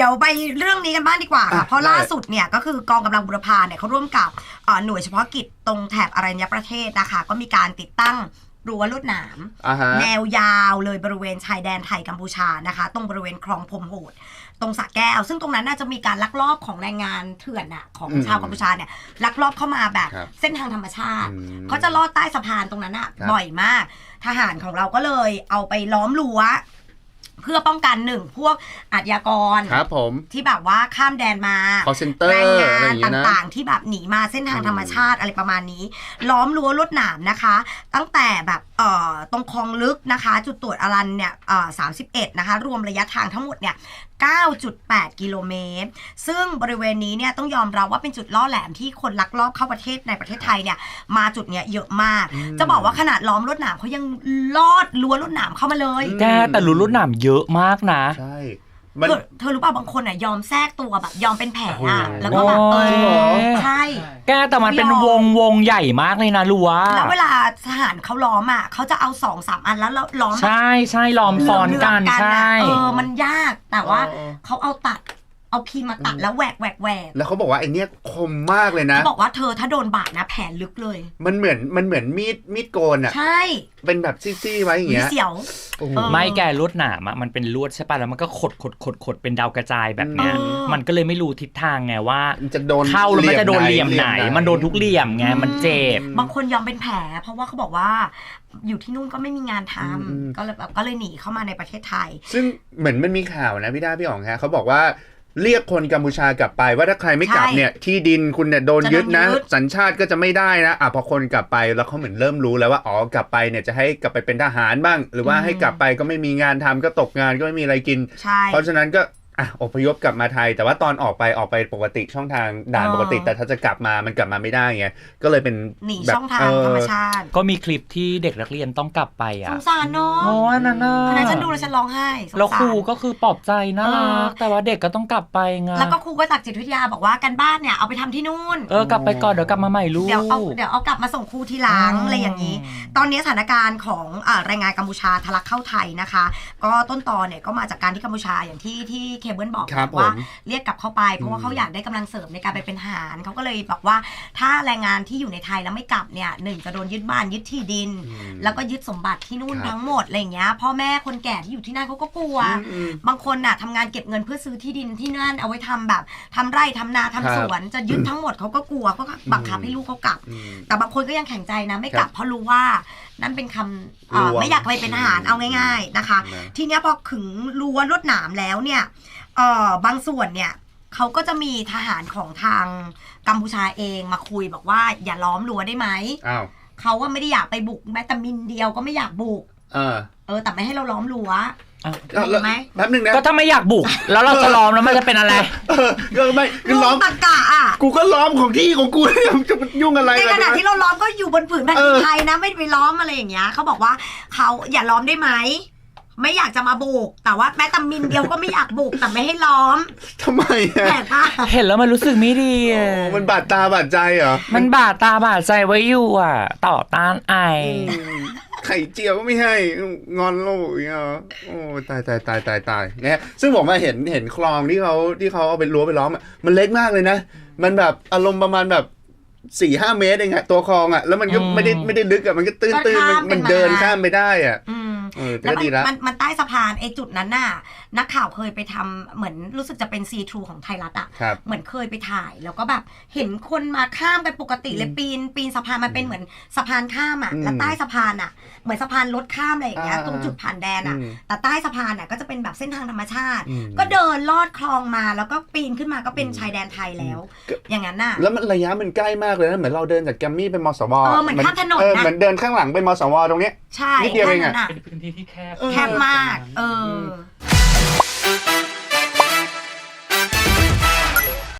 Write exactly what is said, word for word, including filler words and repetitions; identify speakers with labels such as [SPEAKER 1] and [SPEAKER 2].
[SPEAKER 1] ดี๋ยวไปเรื่องนี้กันบ้างดีกว่าค่ะเพราะล่าสุดเนี่ยก็คือกองกำลังบุรพาเนี่ยเขาร่วมกับหน่วยเฉพาะกิจตรงแถบอรัญญประเทศนะคะก็มีการติดตั้งรั้วลวดหนามแนวยาวเลยบริเวณชายแดนไทยกัมพูชานะคะตรงบริเวณคลองพรมโหดตรงสระแก้วซึ่งตรงนั้นน่าจะมีการลักลอบของแรงงานเถื่อนอะของชาวกัมพูชาเนี่ยลักลอบเข้ามาแบบเส้นทางธรรมชาติเขาจะลอดใต้สะพานตรงนั้นอะบ่อยมากทหารของเราก็เลยเอาไปล้อมรั้วเพื่อป้องกันหนึ่งพวกอาชญากร
[SPEAKER 2] ครับผม
[SPEAKER 1] ที่แบบว่าข้ามแดนมาแรงงานต่างๆที่แบบหนีมาเส้นทางธรรมชาติอะไรประมาณนี้ล้อมรั้วลวดหนามนะคะตั้งแต่แบบเอ่อตรงคลองลึกนะคะจุดตรวจอรัญเนี่ยเอ่อสามสิบเอ็ดนะคะรวมระยะทางทั้งหมดเนี่ย เก้าจุดแปด กิโลเมตรซึ่งบริเวณนี้เนี่ยต้องยอมรับว่าเป็นจุดล่อแหลมที่คนลักลอบเข้าประเทศในประเทศไทยเนี่ยมาจุดเนี้ยเยอะมากจะบอกว่าขนาดล้อมลวดหนามเขายังลอดรั้วลวดหนามเข้ามาเลย
[SPEAKER 3] แกแต่รั้วลวดหนามเยอะมากนะ
[SPEAKER 2] ใช่
[SPEAKER 1] เธอเธอรู้ป่ะบางคนอ่ะยอมแทรกตัวแบบยอมเป็นแผลอ่ะแล้วก็แบบเออใช่
[SPEAKER 3] แกแต่มันเป็นวงวงใหญ่มากเลยนะรั้ว
[SPEAKER 1] แล้วเวลาทหารเขาล้อมอ่ะเขาจะเอาสองสามอันแล้วล้อม
[SPEAKER 3] ใช่ใช่ล้อมซ้อนกันใช่
[SPEAKER 1] เออมันยากแต่ว่าเขาเอาตัดเอาพีมาตัดแล้วแหวกแหวกแหวก
[SPEAKER 2] แล้วเขาบอกว่าไอ้นี่คมมากเลยนะ
[SPEAKER 1] เขาบอกว่าเธอถ้าโดนบาดนะแผลลึกเลย
[SPEAKER 2] มันเหมือนมันเหมือนมีดมีดโกนอ่ะ
[SPEAKER 1] ใช่
[SPEAKER 2] เป็นแบบซี่ๆไว้อย่างเงี้ย
[SPEAKER 1] เสียว
[SPEAKER 3] ไม่แกลวดหนามอ่ะมันเป็นลวดใช่ป่ะแล้วมันก็ขดขดขดขดเป็นดาวกระจายแบบเนี้ยมันก็เลยไม่รู้ทิศทางไงว่า
[SPEAKER 2] จะโดน
[SPEAKER 3] เข้าแล้วมันจะโดนเหลี่ยมไหนมันโดนทุกเหลี่ยมไงมันเจ็
[SPEAKER 1] บบางคนยอมเป็นแผลเพราะว่าเขาบอกว่าอยู่ที่นู่นก็ไม่มีงานทำก็เลยแบบก็เลยหนีเข้ามาในประเทศไทย
[SPEAKER 2] ซึ่งเหมือนมันมีข่าวนะพี่ด้าพี่อ๋องฮะเขาบอกว่าเรียกคนกัมพูชากลับไปว่าถ้าใครไม่กลับเนี่ยที่ดินคุณเนี่ยโดนยึดนะสัญชาติก็จะไม่ได้นะอ่ะพอคนกลับไปแล้วเขาเหมือนเริ่มรู้แล้วว่าอ๋อกลับไปเนี่ยจะให้กลับไปเป็นทหารบ้างหรือว่าให้กลับไปก็ไม่มีงานทำก็ตกงานก็ไม่มีอะไรกินเพราะฉะนั้นก็อ่ะอพยพกลับมาไทยแต่ว่าตอนออกไปออกไปปกติช่องทางด่านปกติแต่ถ้าจะกลับมามันกลับมาไม่ได้ไงก็เลยเป็น
[SPEAKER 1] หนีช่องทางธรรมชาติ
[SPEAKER 3] ก็มีคลิปที่เด็กนักเรียนต้องกลับไปอ่ะ
[SPEAKER 1] สงสารเนาะ
[SPEAKER 3] โอ้ยนั่นน่ะ
[SPEAKER 1] อันนั้นฉันดูแล้วฉันร้องไห้
[SPEAKER 3] แล้วครูก็คือปลอบใจน่ารักแต่ว่าเด็กก็ต้องกลับไปไง
[SPEAKER 1] แล้วก็ครูก็จากจิตวิทยาบอกว่ากันบ้านเนี่ยเอาไปทำที่นู่น
[SPEAKER 3] เออกลับไปก่อนเดี๋ยวกลับมาใหม่ลูก
[SPEAKER 1] เดี๋ยวเอาเดี๋ยวเอากลับมาส่งครูทีหลังอะไรอย่างนี้ตอนนี้สถานการณ์ของแรงงานกัมพูชาทะลักเข้าไทยนะคะก็ต้นตอเนี่ยก็มาจากการที่กัมพูชาอย่างที่ที่เคเบิลบอกว่าเรียกกลับเข้าไปเพราะว่าเขาอยากได้กำลังเสริมในการไปเป็นทหารเขาก็เลยบอกว่าถ้าแรงงานที่อยู่ในไทยแล้วไม่กลับเนี่ยหนึ่งจะโดนยึดบ้านยึดที่ดินแล้วก็ยึดสมบัติที่นู่นทั้งหมดอะไรอย่างเงี้ยพ่อแม่คนแก่ที่อยู่ที่นั่นเขาก็กลัวบางคนน่ะทำงานเก็บเงินเพื่อซื้อที่ดินที่นั่นเอาไว้ทำแบบทำไร่ทำนาทำสวนจะยึดทั้งหมดเขาก็กลัวก็บังคับให้ลูกเขากลับแต่บางคนก็ยังแข็งใจนะไม่กลับเพราะรู้ว่านั่นเป็นคำไม่อยากไปเป็นทหารเอาง่ายๆนะคะทีเนี้ยพอขึงรั้วลวดหนามแล้วเนี่ยเอ่อบางส่วนเนี่ยเขาก็จะมีทหารของทางกัมพูชาเองมาคุยบอกว่าอย่าล้อมรั้วได้ไหมเขาว่าไม่ได้อยากไปบุกแม้แต่มิลเดียวก็ไม่อยากบุกเออเออแต่ไม่ให้เราล้อมรั้ว
[SPEAKER 2] ได้ไหมแป๊บนึงนะ
[SPEAKER 3] ก็ถ้าไม่อยากบุกแล้วเราจะล้อมแล้วมันจะเป็นอะไร
[SPEAKER 2] ก็ไม่
[SPEAKER 1] คือล้อมตะกะอ่ะ
[SPEAKER 2] กูก็ล้อมของที่ของกูจะยุ่งอะไร
[SPEAKER 1] ในขณะที่เราล้อมก็อยู่บนผืนแผ่นดินไทยนะไม่ไปล้อมอะไรอย่างเงี้ยเขาบอกว่าเขาอย่าล้อมได้ไหมไม่อยากจะมาบุกแต่ว่าแม้แต่มินเดียวก็ไม่อยากบุกแต่ไม่ให้ล้อม
[SPEAKER 2] ทำไมอ่ะ
[SPEAKER 3] เห็นแล้วมันรู้สึกไม่ดีอ่ะ
[SPEAKER 2] มันบาดตาบาดใจเหรอ
[SPEAKER 3] มันบาดตาบาดใจไว้อยู่อ่ะต่อต้านไอ
[SPEAKER 2] ไข่เจียวก็ไม่ให้งอนโลกอย่างเงี้ยโอ้ตายตายตายตายตายเนี่ยซึ่งผมมาเห็นเห็นคลองที่เขาที่เขาเอาไปรั้วไปล้อมมันเล็กมากเลยนะมันแบบอารมณ์ประมาณแบบสี่ห้าเมตรเองอะตัวคลองอะแล้วมันก็ไม่ได้ไม่ได้ลึกอะมันก็ตื้นตื้นมันเดินข้ามไปได้อะ
[SPEAKER 1] แล้วมันมันใต้สะพานไอ้จุดนั้นน่ะนักข่าวเคยไปทำเหมือนรู้สึกจะเป็นซีทรูของไทยรัฐอ่ะเหมือนเคยไปถ่ายแล้วก็แบบเห็นคนมาข้ามกันปกติเลยปีนปีนสะพานมันเป็นเหมือนสะพานข้ามอ่ะแล้วใต้สะพานอ่ะเหมือนสะพานรถข้ามอะไรอย่างเงี้ยตรงจุดผ่านแดนอ่ะแต่ใต้สะพานอ่ะก็จะเป็นแบบเส้นทางธรรมชาติก็เดินลอดคลองมาแล้วก็ปีนขึ้นมาก็เป็นชายแดนไทยแล้วอย่างนั้นน่ะ
[SPEAKER 2] แล้วมันระยะมันใกล้มากเลยนะเหมือนเราเดินจากแกมมี่ไปมสว
[SPEAKER 1] เออเหมือนข้ามถนนนะ
[SPEAKER 2] เหมือนเดินข้างหลังไปมสวตรงนี้
[SPEAKER 1] ใช่
[SPEAKER 2] นิดเดียวเองอ่ะ
[SPEAKER 3] เป็นพื้นที่ที่แคบ
[SPEAKER 1] แคบมากเออ